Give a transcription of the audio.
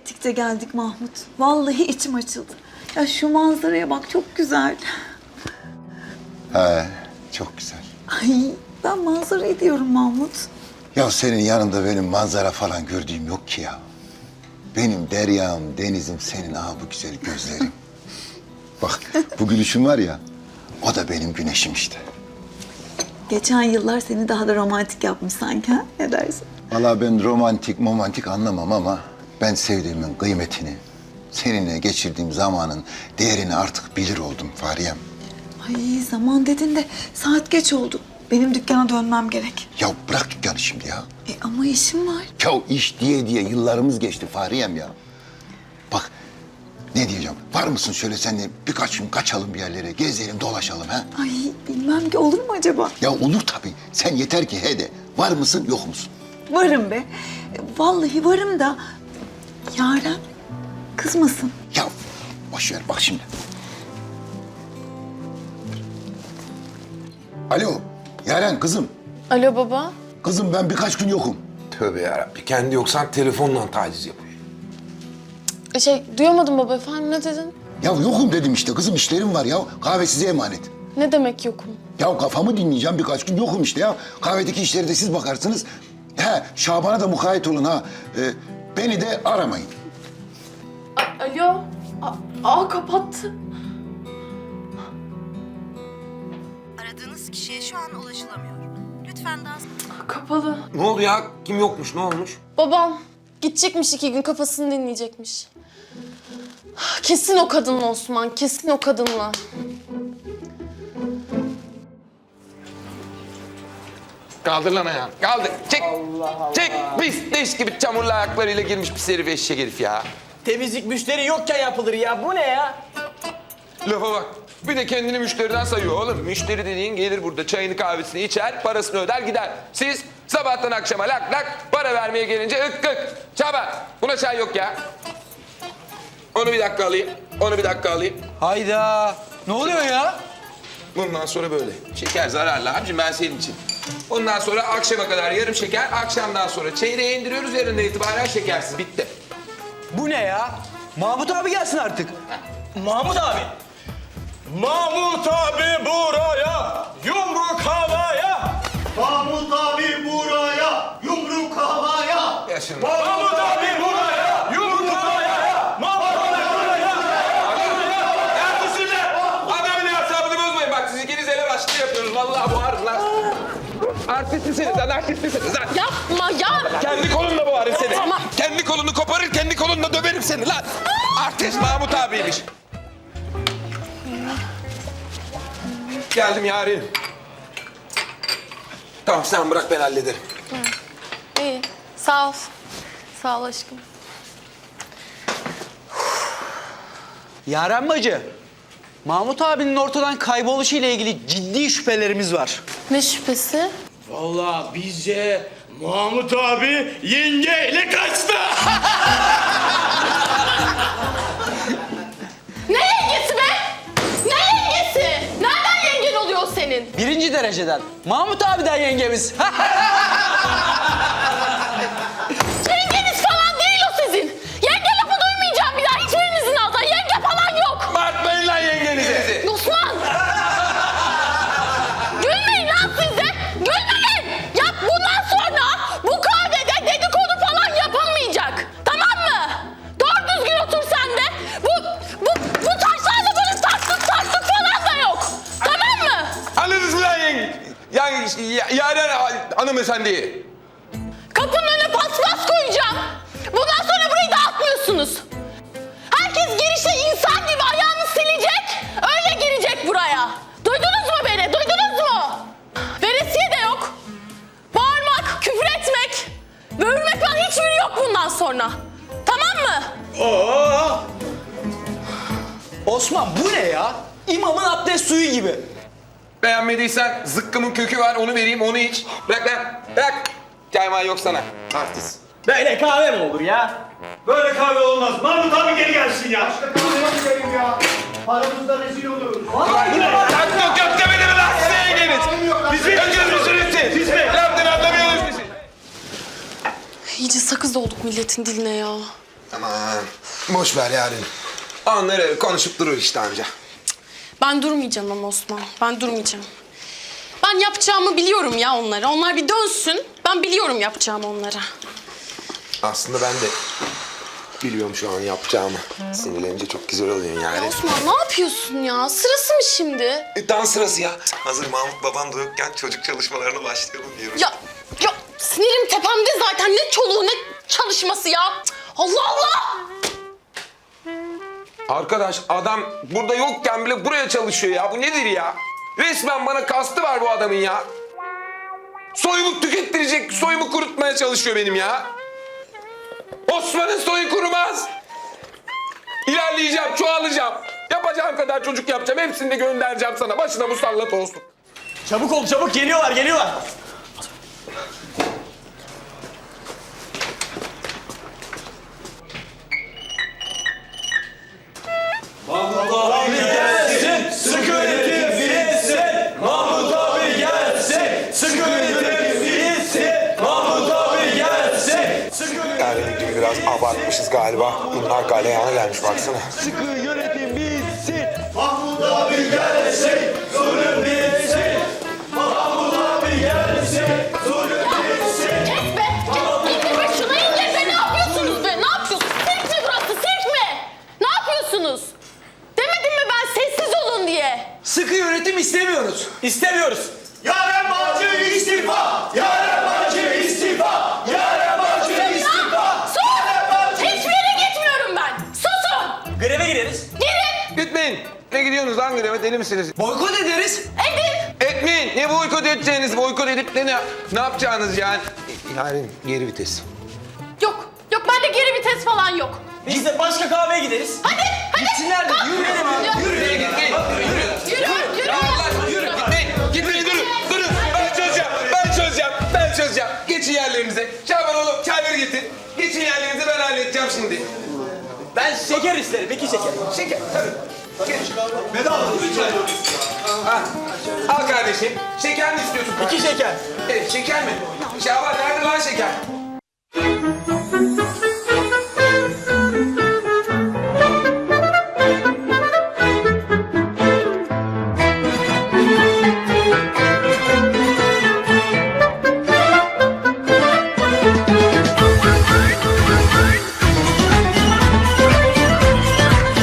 ettikçe geldik Mahmut. Vallahi içim açıldı. Ya şu manzaraya bak, çok güzel. He, çok güzel. Ay, ben manzarayı diyorum Mahmut. Ya senin yanında benim manzara falan gördüğüm yok ki ya. Benim deryam, denizim senin bu güzel gözlerin. Bak bu gülüşün var ya, o da benim güneşim işte. Geçen yıllar seni daha da romantik yapmış sanki, ha? Ne dersin? Vallahi ben romantik anlamam ama ben sevdiğimin kıymetini, seninle geçirdiğim zamanın değerini artık bilir oldum Fariyem. Ay, zaman dedin de saat geç oldu. Benim dükkana dönmem gerek. Ya bırak dükkanı şimdi ya. Ama işim var. Ya iş diye yıllarımız geçti Fariyem ya. Bak ne diyeceğim, var mısın şöyle seninle birkaç gün kaçalım bir yerlere, gezelim dolaşalım ha? Ay, bilmem ki olur mu acaba? Ya olur tabii, sen yeter ki he de, var mısın yok musun? Varım be. Vallahi varım da Yaren kızmasın. Ya boş ver bak şimdi. Alo Yaren kızım. Alo baba. Kızım ben birkaç gün yokum. Tövbe yarabbim. Kendi yoksan telefonla taciz yapıyor. Duyamadım baba, efendim ne dedin? Ya yokum dedim işte kızım, işlerim var ya. Kahve size emanet. Ne demek yokum? Ya kafamı dinleyeceğim, birkaç gün yokum işte ya. Kahvedeki işleri de siz bakarsınız. He Şaban'a da mukayyet olun ha. Beni de aramayın. Alo. Kapattı. Aradığınız kişiye şu an ulaşılamıyor. Lütfen daha... Kapalı. Ne oldu ya? Kim yokmuş? Ne olmuş? Babam gidecekmiş, 2 gün kafasını dinleyecekmiş. Kesin o kadınla Osman, kesin o kadınla. Kaldır lan ayağını. Kaldır. Çek. Çek. Pis leş gibi çamurlu ayaklarıyla girmiş pis herif, eşek herif ya. Temizlik müşteri yokken yapılır ya. Bu ne ya? Lafa bak. Bir de kendini müşteriden sayıyor oğlum. Müşteri dediğin gelir burada çayını kahvesini içer, parasını öder gider. Siz sabahtan akşama lak lak, para vermeye gelince ık ık. Çaba. Buna çay yok ya. Onu bir dakika alayım. Onu bir dakika alayım. Hayda. Ne oluyor ya? Bundan sonra böyle. Şeker zararlı abicim, ben senin için. Ondan sonra akşama kadar yarım şeker, akşamdan sonra çeyreğe indiriyoruz, yarından itibaren şekersiz. Bitti. Bu ne ya? Mahmut abi gelsin artık. Mahmut abi. Mahmut abi buraya, yumruk havaya. Mahmut abi buraya, yumruk havaya. Yaşın. Mahmut abi buraya, yumruk havaya. Mahmut abi buraya. Neredesin lan? Adamın hesabını bozmayın. Bak siz ikiniz ele başlı yapıyorsunuz. Vallahi boğarım lan. Artistlisiniz lan, artistlisiniz lan. Yapma ya! Kendi kolumla boğarım seni. Tamam. Kendi kolunu koparır, kendi kolunla döverim seni lan. Artist Mahmut abiymiş. Geldim yarim. Tamam sen bırak, ben hallederim. İyi, sağ ol. Sağ ol aşkım. Yaren bacı. Mahmut abinin ortadan kayboluşu ile ilgili ciddi şüphelerimiz var. Ne şüphesi? Vallahi bizce Mahmut abi yengeyle kaçtı. Ne yengesi be? Ne yengesi? Nereden yengen oluyor senin? 1. dereceden. Mahmut abiden yengemiz. Yengeniz falan değil o sizin. Yenge lafı duymayacağım bir daha hiçbirinizin ağzından. Yenge falan yok. Bağırtmayın lan yengenizi. Osman! Gülmeyin lan siz de! Gülmeyin! Ya bundan sonra bu kahvede dedikodu falan yapılmayacak. Tamam mı? Doğru düzgün otur sen de. Bu taşlarla böyle taktık falan da yok. Tamam mı? Anladınız mı lan Yaren hanımefendi? Kapının önüne paspas koyacağım. Bundan sonra burayı dağıtmıyorsunuz. Herkes girişte insan gibi ayağını silecek, öyle girecek buraya. Duydunuz mu beni? Duydunuz mu? Veresiye de yok. Bağırmak, küfür etmek, böğürmek falan hiçbiri yok bundan sonra. Tamam mı? Osman bu ne ya? İmamın abdest suyu gibi. Beğenmediysen zıkkımın kökü var, onu vereyim, onu iç. Bırak lan, bırak. Çayman yok sana. Artist. Böyle kahve mi olur ya? Böyle kahve olmaz. Mahmut abi geri gelsin ya. İşte kahve gidelim ya. Paramızda rezil oluruz. Lan yok yok demedi mi lan size yengeniz? Biz mi gözünüzünüz siz? Siz mi? Laftan anlamıyorsunuz siz. İyice sakız olduk milletin diline ya. Aman boş ver yarın. Onları konuşup durur işte anca. Ben durmayacağım ama Osman. Ben durmayacağım. Ben yapacağımı biliyorum ya onlara. Onlar bir dönsün. Ben biliyorum yapacağımı onlara. Aslında ben de biliyorum şu an yapacağımı. Sinirlenince çok güzel oluyor Ya yani. Osman ne yapıyorsun ya? Sırası mı şimdi? Dans sırası ya. Hazır Mahmut baban da yokken çocuk çalışmalarına başlayalım diyorum. Ya sinirim tepemde zaten. Ne çoluğu ne çalışması ya. Cık, Allah Allah! Arkadaş adam burada yokken bile buraya çalışıyor ya. Bu nedir ya? Resmen bana kastı var bu adamın ya. Soyumu tükettirecek, soyumu kurutmaya çalışıyor benim ya. Osman'ın soyu kurumaz. İlerleyeceğim, çoğalacağım. Yapacağım kadar çocuk yapacağım. Hepsini de göndereceğim sana. Başına musallat olsun. Çabuk ol çabuk geliyorlar. Mahmut abi gelsin, sıkı yönetim bilinsin. Mahmut abi gelsin, sıkı yönetim bilinsin. Mahmut abi gelsin, sıkı Yani gibi biraz abartmışız galiba. Bunlar galeyana gelmiş baksana. sıkı yönetim bilinsin. Mahmut abi gelsin, zulüm bilinsin. Mahmut abi gelsin, zulüm bilinsin. Kes be! Kes! İndir be şunu indir be! Ne yapıyorsunuz be? Ne yapıyorsunuz? Sirk mi burası? Sirk mi? Ne yapıyorsunuz? Demedim mi ben sessiz olun diye? Sıkı yönetim istemiyoruz. İstemiyoruz. Yaren Bağcı istifa! Yaren Bağcı istifa! Yaren Bağcı istifa! Sus! Hiçbir yere gitmiyorum ben. Susun! Greve gireriz. Gidin! Gitmeyin. Ne gidiyorsunuz lan greve? Deli misiniz? Boykot ederiz. Edin! Etmeyin. Ne boykot edeceğiniz? Boykot edip de ne yapacağınız yani? Yani geri vites. Yok. Yok bende geri vites falan yok. Biz de başka kahveye gideriz. Hadi! Hadi! Gitsinler de Kalk. yürüyelim abi. Yürü gitmeyin. Yürü. Yürü! Yürü. Gitmeyin. Gitmeyin durun. Durun. Ben çözeceğim. Geçin yerlerinize. Şaban oğlum çayları getir. Geçin yerlerinize ben halledeceğim şimdi. Ben şeker isterim, 2 şeker. Şeker. Tabii. Geç. Bedava. Al kardeşim. Şeker mi istiyorsun? 2 şeker. Evet şeker mi? Şaban nerede lan şeker?